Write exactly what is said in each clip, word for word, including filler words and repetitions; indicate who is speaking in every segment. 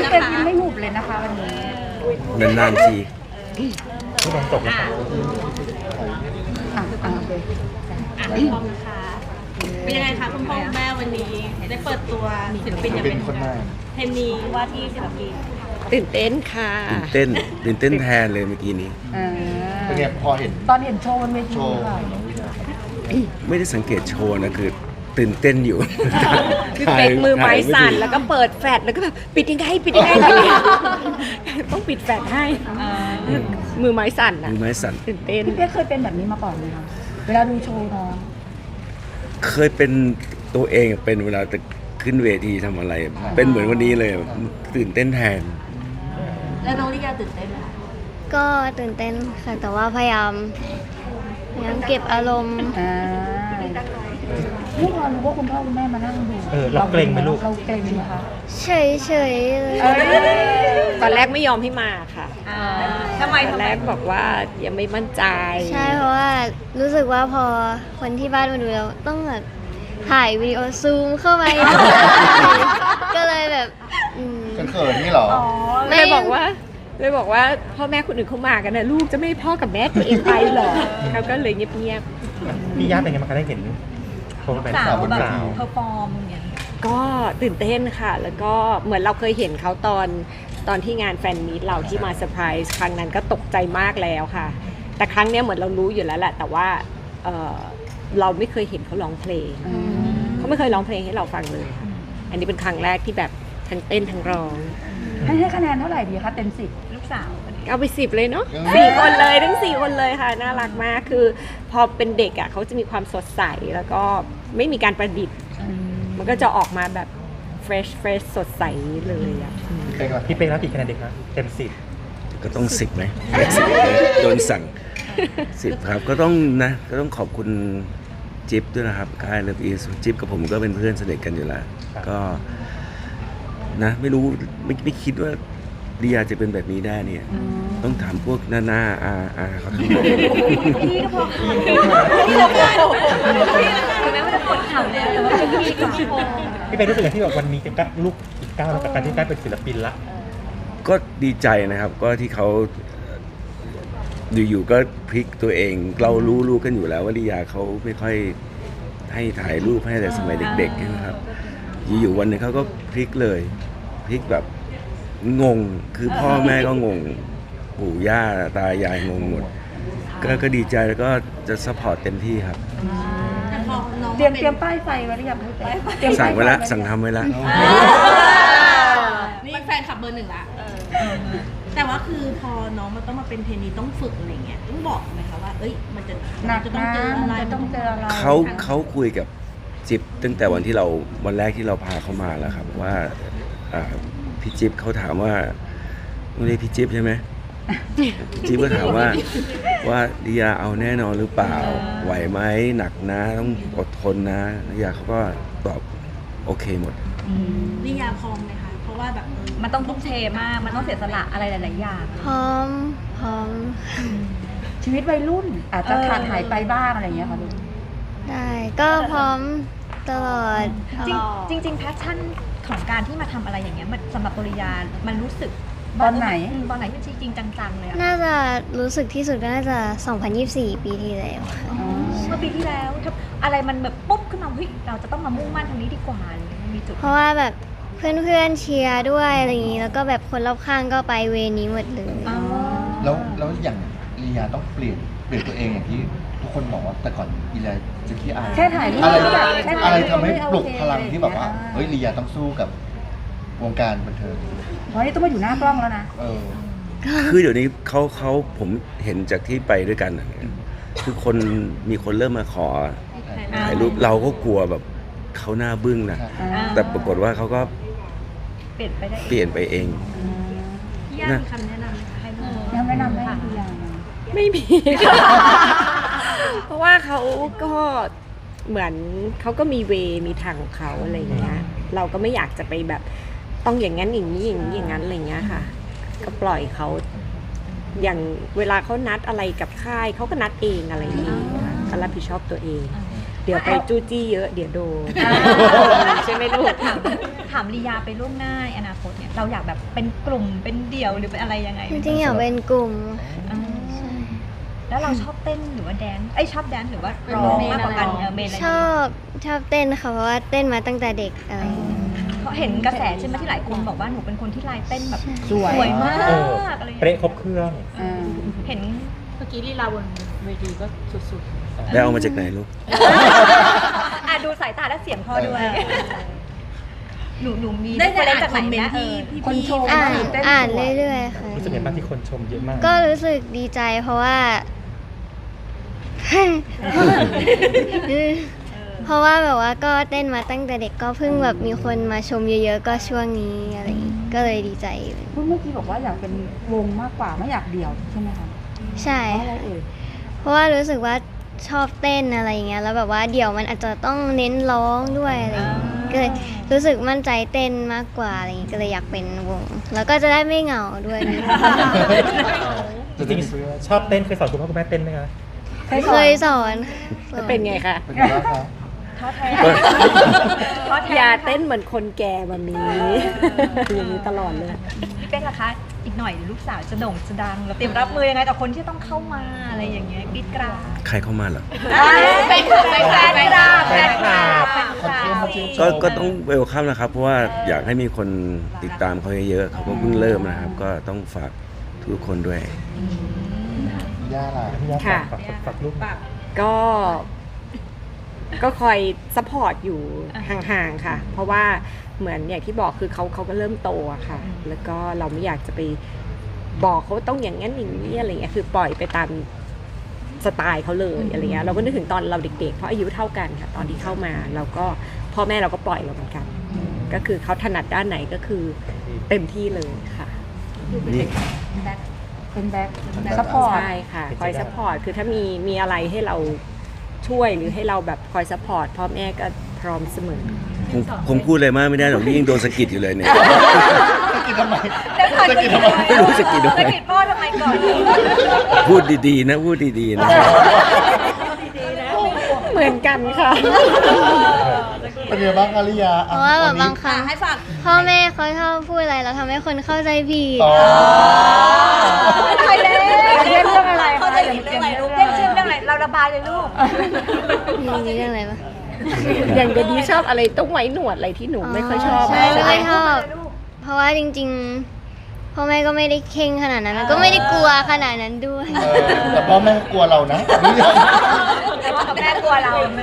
Speaker 1: เต็มยิ้มไม่หุบเลยนะคะวันนี้
Speaker 2: นานๆที
Speaker 3: ผู้กองจบแล้วครับ
Speaker 1: อ่ะอ่ะโอเค
Speaker 4: อ่ะพี่พอมนะคะเป็นยังไงคะคุณพ่อคุณแม่วันนี้ได้เปิดตัวศิลปินอย่างเป็นเทนนีว่าที่ศิลปิน
Speaker 5: ตื่นเต้นค่ะ
Speaker 2: ตื่นเต้นตื่นเต้นแทนเลยเมื่อกี้นี้
Speaker 1: อ่า
Speaker 6: เป็นไงพอเห็น
Speaker 1: ตอนเห็นโชว์บนเวที
Speaker 6: โชว์
Speaker 1: ค่ะ
Speaker 6: น้องวินาครับ
Speaker 2: ไม่ได้สังเกตโชว์นะคือตื่นเต้นอยู่
Speaker 5: คือเป็กมือไม้สั่นแล้วก็เปิดแฟลชแล้วก็แบบปิดยังไงปิดยังไงปิดยังไงต้องปิดแฟลชให้มือไม้สั่นอ่ะ
Speaker 2: มือไม้สั่น
Speaker 5: ตื่นเต้น
Speaker 1: พี่เป๊กเคยเป็นแบบนี้มาก่อนไหมคะเวลาดูโชว์น้อง
Speaker 2: เคยเป็นตัวเองเป็นเวลาจะขึ้นเวทีทำอะไร เป็นเหมือนวันนี้เลยตื่นเต้นแทน
Speaker 4: แล้วน้องลิยาตื่นเต้นไหมคะ
Speaker 7: ก็ตื่นเต้นค่ะแต่ว่าพยายามพยายามเก็บอารมณ์
Speaker 1: อ่าลูกเรารู้ว่าคุณพ่อคุณแม่มานั่งดู
Speaker 3: เออเราเกรงไหมลูก
Speaker 1: เราเกรงไหมคะ
Speaker 7: เฉยเฉยๆเลย
Speaker 1: เอ้ย
Speaker 5: ตอนแรกไม่ยอมให้มาค่ะ
Speaker 4: ทำไม
Speaker 5: ตอนแรกบอกว่ายังไม่มั่นใจ
Speaker 7: ใช่เพราะว่ารู้สึกว่าพอคนที่บ้านมาดูแล้วต้องแบบถ่ายวิดีโอซูมเข้าไป ก็เลยแบบอืม
Speaker 6: เขินๆนี่เหรอ
Speaker 5: เลยบอกว่าเลยบอกว่าพ่อแม่คนอื่นเขามากันนะลูกจะไม่ให้พ่อกับแม่ตัวเองไปหรอเขาก็เลยเงียบ
Speaker 3: พี่ย่าเป็นไงบ้างคะได้เห็นโชว์แฟนสาวบนเวที
Speaker 4: เพอร์ฟอร์มอย่างเงี้ย
Speaker 5: ๆก็ตื่นเต้นค่ะ แล้วก็เหมือนเราเคยเห็นเขาตอนตอนที่งานแฟนมีตเราที่มาเซอร์ไพรส์ครั้งนั้นก็ตกใจมากแล้วค่ะ แต่ครั้งเนี้ยเหมือนเรารู้อยู่แล้วแหละแต่ว่าเอ่อเราไม่เคยเห็นเขาร้องเพลงเขาไม่เคยร้องเพลงให้เราฟังเลยค่ะอันนี้เป็นครั้งแรกที่แบบทั้งเต้นทั้งร้อง
Speaker 1: ให้ให้คะแนนเท่าไหร่ดีคะเต็มสิบ
Speaker 4: ลูกสาว
Speaker 5: เอาไปสิบเลยเนาะ
Speaker 6: อืม
Speaker 5: สี่คนเลยทั้งสี่คนเลยค่ะน่ารักมากคือพอเป็นเด็กอ่ะเขาจะมีความสดใสแล้วก็ไม่มีการประดิษฐ์ มันก็จะออกมาแบบ fresh fresh สดใสเลยอ่ะ
Speaker 6: เป็นไง
Speaker 3: พี่เป้รับกี่คะแนนเด็กคะเต็มสิบ
Speaker 2: ก็ต้องสิบไหมโดนสั่งสิบครับก็ต้องนะก็ต้องขอบคุณจิ๊บด้วยนะครับค่ายเลิฟอีสจิ๊บกับผมก็เป็นเพื่อนสนิทกันอยู่แล้ว ก็นะไม่รู้ไม่ไม่คิดว่าลียาจะเป็นแบบนี้ได้เนี่ย ต้องถามพวกหน้าหน้าอาอาเขาทั้งหมด
Speaker 4: พี่ก็พอพี่เราพอถึงแม้ว่าจะปวดเข่าแล้วแต่ว่าเป็นพี่ก็พอ
Speaker 3: พี่เป้รู้สึกอย่างที่แบบวันนี้จะก้าวลูกอีกก้าวกับการที่ได้เป็นศิลปินละ
Speaker 2: ก็ดีใจนะครับ ก็ที่เขาอยู่ๆก็พลิกตัวเอง เรารู้รู้กันอยู่แล้วว่าลียาเขาไม่ค่อยให้ถ่ายรูปให้แต่สมัยเด็กๆนะครับ อยู่ๆวันหนึงเขาก็พลิกเลยพลิกแบบงงคือพ่อแม่ก็งงปู่ย่าตายายงงหมด ก็ก็ดีใจแล้วก็จะซัพพอร์ตเต็มที่ครับ
Speaker 4: แต่พอน้อง
Speaker 1: เตรียมเตรียมป้ายไฟไว้หรือยังพี่เป๊กเตรียม
Speaker 2: สั่งไว้ละ
Speaker 1: ป้าย
Speaker 2: สั่งทำไว้ละ
Speaker 4: นี่แฟนขับเบอร์หนึ่งละแต่ว่าคือพอน้องมันต้องมาเป็นเทรนนีต้องฝึกอะไรเงี้ยต้องบอกไหมคะว่าเอ้ยมันจะ
Speaker 1: หนัก
Speaker 4: จะต้อง
Speaker 1: นะ
Speaker 4: เจออะไร
Speaker 1: จะต้องเจออะไร
Speaker 2: เขาเขาคุยกับจิ๊บตั้งแต่วันที่เราวันแรกที่เราพาเขามาแล้วครับว่าอ่าพี่จิ๊บเขาถามว่าไม่ได้พี่จิ๊บใช่ไหม จิ๊บก็ถามว่าว่าลียาเอาแน่นอนหรือเปล่าไหวไหมหนักนะต้องอดทนนะลียาเขาก็ตอบโอเคหมด
Speaker 4: นิยาพร้อมไหมคะเพราะว่าแบบเออ
Speaker 8: มันต้องทุ่มเทมาก มันต้องเสียสละอะไรหลาย ๆ อย่าง
Speaker 7: พร้อมพร้อม
Speaker 1: ชีวิตวัยรุ่น อาจจะขาดหายไปบ้างอะไรอย่างเงี้ยค่ะลูก
Speaker 7: ได้ก็พร้อมตลอด
Speaker 8: จริงจริงๆแพชชั่นของการที่มาทำอะไรอย่างเงี้ยมันสำหรับปริยา มันรู้สึก
Speaker 1: ตอนไหน
Speaker 8: มตอนไหนที่จริงๆจัง ๆ เลยอะ
Speaker 7: น่าจะรู้สึกที่สุดก็น่าจะสองพันยี่สิบสี่ปีที่แล้วค่ะ
Speaker 8: เมื่อปีที่แล้วถ้าอะไรมันแบบปุ๊บขึ้นมาเฮ้ยเราจะต้องมามุ่งมั่นทางนี้ดีกว่าอะไรอย่างเงี้ยมันมีจุด
Speaker 7: เพราะว่าแบบเพื่อนๆเชียร์ด้วยอะไรอย่างนี้ แล้วก็แบบคนรอบข้างก็ไปเวนี้หมดเลย
Speaker 8: อ๋อ
Speaker 6: แล้วแล้วอย่างลียาต้องเปลี่ยนเปลี่ยนตัวเองอย่างที่ทุกคนบอกว่าแต่ก่อนลียาจะขี้อาย
Speaker 1: แค่ถ่ายรูป
Speaker 6: อะไร
Speaker 1: ก็แบบแค่ถ่ายรูป
Speaker 6: อะไรทำให้
Speaker 1: ก็ไม่โอเค
Speaker 6: ปลุกพลังที่แบบว่า
Speaker 1: อ่า
Speaker 6: เฮ้ยลียาต้องสู้กับวงการบันเทิง
Speaker 1: เพราะนี่ต้องมาอยู่หน้ากล้องแล้วนะ
Speaker 6: เออ
Speaker 2: คือเดี๋ยวนี้เขาเขาผมเห็นจากที่ไปด้วยกันน่ะคือคนมีคนเริ่มมาขอถ่ายรูปเราก็กลัวแบบเขาหน้าบึ้งนะ
Speaker 1: อ่า
Speaker 2: แต่ปรากฏว่าเขาก็
Speaker 8: เปลี่ยนไปได้
Speaker 2: เปลี่ยนไปเอง
Speaker 4: พี่ย่ามีคำแนะนำไหมคะให้น้อง
Speaker 1: ยังแนะนำให้ดูอย่างนะ
Speaker 5: ไม่มี เพราะว่าเขาก็เหมือนเขาก็มีเวมีทางของเขาอะไรอย่างเงี้ย เราก็ไม่อยากจะไปแบบต้องอย่างนั้นอย่างนี้อย่างนี้อย่างนั้นอะไรอย่างเงี้ยค่ะ ก็ปล่อยเขาอย่างเวลาเขานัดอะไรกับค่ายเขาก็นัดเองอะไรอย่างเงี้ยค่ะก็รับผิดชอบตัวเองเดี๋ยวไปจู้จี้เยอะเดี๋ยวโดนใช่ไหมลูก
Speaker 8: ถามถามลียาไปล่วงหน้าในอนาคตเนี่ยเราอยากแบบเป็นกลุ่มเป็นเดี่ยวหรือเป็นอะไรยังไง
Speaker 7: จริงๆอยากเป็นกลุ่ม
Speaker 8: อ่าแล้วเราชอบเต้นหรือว่าแดนซ์ไอยชอบแดนซ์หรือว่าร้องมากกว่ากันเออเมนอะไร
Speaker 7: ชอบชอบเต้นค่ะเพราะว่าเต้นมาตั้งแต่เด็กอะไรอย่างเงี้ย
Speaker 8: เพราะเห็นกระแสใช่ไหมที่หลายคนบอกว่าหนูเป็นคนที่ลายเต้นแบบ
Speaker 1: สวย
Speaker 8: สวยมาก
Speaker 3: เออ
Speaker 8: อะไรอย่าง
Speaker 3: เป๊ะ
Speaker 8: เงี้ย
Speaker 3: ครบเครื่อง
Speaker 1: อ่า
Speaker 8: เห็น
Speaker 4: เมื่อกี้ลีลาบนเวทีก็สุด
Speaker 2: ได้เอามาจากไหนลูก
Speaker 8: อ่ะดูสายตาและเสียงพ่อด้วยหนูหนูมี
Speaker 4: ๆ ได้
Speaker 8: เฟ
Speaker 4: ได้
Speaker 8: รน
Speaker 4: อ่าน
Speaker 8: จาก
Speaker 4: ค
Speaker 8: ไหน
Speaker 4: อมเมน
Speaker 8: นะ
Speaker 4: ต์
Speaker 8: เอ
Speaker 4: ที่
Speaker 8: อ
Speaker 4: พี่
Speaker 1: คนชม
Speaker 7: อ่าน
Speaker 1: เต้น
Speaker 7: อ่าน
Speaker 1: สวย
Speaker 7: เรื่อยๆค่ะ
Speaker 3: รู้สึกไงบ้างที่คนชมเยอะมาก
Speaker 7: ก็รู้สึกดีใจเพราะว่า เพราะว่าแบบว่าก็เต้นมาตั้งแต่เด็กก็เพิ่งแบบมีคนมาชมเยอะๆก็ช่วงนี้อะไรอย่างงี้ก็เลยดีใจ
Speaker 1: พูดเมื่อกี้บอกว่าอยากเป็นวงมากกว่าไม่อยากเดี่ยวใช่ไหมคะ
Speaker 7: ใช่
Speaker 1: เพราะอะไรเอ่ย
Speaker 7: เพราะว่ารู้สึกว่าชอบเต้นอะไรอย่างเงี้ยแล้วแบบว่าเดี๋ยวมันอาจจะต้องเน้นร้องด้วยอะไรอย่างงี้ก็เลยรู้สึกมั่นใจเต้นมากกว่าอะไรอย่างงี้ก็เลยอยากเป็นวง แล้วก็จะได้ไม่เหงาด้วย
Speaker 3: จริงๆชอบเต้นเคยสอนคุณพ่อคุณแม่เต้นไหมคะ
Speaker 7: เคยสอนสอน
Speaker 5: เป็นไงคะ
Speaker 6: เป็นไงบ้างคะ
Speaker 8: ท้อแท้
Speaker 2: ก็
Speaker 8: ท้อแท้
Speaker 5: อย่าเต้นเหมือนคนแก่แบบนี้อย่างนี้ตลอดเลย
Speaker 8: พี่เป๊กล่ะคะ อีกหน่อยลูกสาวจะโด่งจะดังเราเตรียมรับมือยังไงต่อคนที่ต้องเข้ามาอะไรอย่างเงี้ยกรีดกราด
Speaker 2: ใครเข้ามาเหรอ
Speaker 8: แฟนแฟนแฟนกราดแฟนกราดแฟนก
Speaker 6: คน
Speaker 8: รา
Speaker 6: เชื่อมา
Speaker 8: ด
Speaker 6: ชื่นช
Speaker 2: ก็
Speaker 6: ม
Speaker 2: ก็ต้องเวลคัมนะครับ เพราะว่าอยากให้มีคนติดตามเขาเยอะๆเขาก็เพิ่งเริ่มนะครับ ก็ต้องฝากทุกคนด้วย
Speaker 6: ย่าล่ะ
Speaker 3: พี่ยา
Speaker 5: ค่ะ
Speaker 3: ฝากฝากฝากลูก
Speaker 5: ก็ ก็คอยซัพพอร์ตอยู่ห่างๆค่ะ เพราะว่าเหมือนอย่างที่บอกคือเขาเขาก็เริ่มโตอะค่ะ แล้วก็เราไม่อยากจะไปบอกเขาต้องอย่างนั้นอย่างนี้อะไรเงี้ยคือปล่อยไปตามสไตล์เขาเลยอะไรเงี้ยเราก็นึกถึงตอนเราเด็กๆเพราะอายุเท่ากันค่ะ ตอนที่เข้ามาเราก็พ่อแม่เราก็ปล่อยเราเหมือนกัน ก็คือเขาถนัดด้านไหนก็คือเต็มที่เลยค่ะ
Speaker 2: นี่
Speaker 1: เป็นแบ็คซัพพอร์ต
Speaker 5: ใช่ค่ะ คอยซัพพอร์ตคือถ้ามีมีอะไรให้เราช่วยหรือให้เราแบบคอยซัพพอร์ตพ่อแม่ก็พร้อมเสมอ
Speaker 2: ผมผมพูดอะไรมากไม่ได้หรอกนี่ยังโดนสะกิดอยู่เลยเนี่ย
Speaker 6: สกิดทำไม
Speaker 8: เดี๋ยวก่อน
Speaker 6: สกิดทำไม
Speaker 2: ไม่รู้สะกิดทำไม
Speaker 8: สะกิดพ่อทำไมก่อน
Speaker 2: พูดดีๆนะพูดดีๆนะ
Speaker 5: เหมือนกันค่ะ
Speaker 6: เป็นไงบ้างคะลิยา
Speaker 7: เพราะว่าแบบบางครั้ง
Speaker 4: ให้ฝาก
Speaker 7: พ่อแม่เขาชอบพูดอะไรแล้วทำให้คนเข้าใจผิด
Speaker 6: อ๋อ
Speaker 8: ใครเล่น
Speaker 1: เล่นเรื่องอะไร
Speaker 8: เขาจะเล่นเรื่องอะไรลูกเล่นชื่อเรื่องอะไรเราระบายเลยลูก
Speaker 7: มีเรื่องอะไรปะ
Speaker 5: อย่างเดยวนี้ชอบอะไรต้องไว้หนวดอะไรที่หนูไม่ค่อยชอบ
Speaker 7: ใช่ไม่
Speaker 5: ไหม
Speaker 7: ค่อยชอบ เพราะว่าจริงๆพ่อแม่ก็ไม่ได้เข่งขนาดนั้นแล้วก็ไม่ได้กลัวขนาดนั้นด้วย
Speaker 6: เออแต่พ่อแม่กลัวเรานะ
Speaker 8: แต่ว่าแม่กลัวเรานะ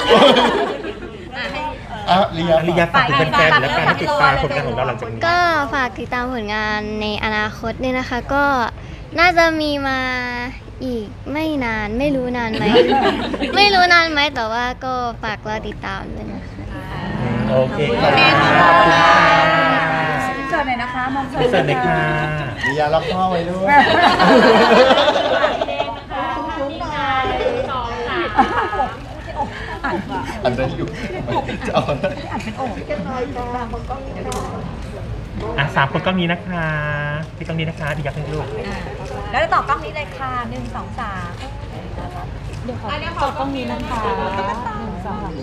Speaker 6: อ่ะลิยา
Speaker 3: ลิยาฝากถึงแฟนๆและการให้ติดตามผลงานของเราหลังจากนี้
Speaker 7: ก็ฝากติดตามผลงานในอนาคตเนี่ยนะคะ ก็น่าจะมีมาอีกไม่นานไม่รู้นานไหม ไม่รู้นานไหมแต่ว่าก็ฝากรอติดตามด้วยนะคะ
Speaker 3: โอเคค่ะขอบคุณค่ะ
Speaker 1: เจอหน่อยนะคะมองเจอ
Speaker 3: เสร็จเลยค่ะ
Speaker 6: ลิยาล็อกพ่อไว้ด้วยอันนั้นอยู่จะเอาอะไร
Speaker 3: อ่ะสามคนก็มีนะคะพี่ต้องนี้นะคะดีอยากให้ลูก
Speaker 8: แล้วจะต่อกล้องนี้เลยค่ะหนึ่งสองสาม
Speaker 4: เดี๋ยวขอจบตรงนี้นะคะหนึ่งสองสาม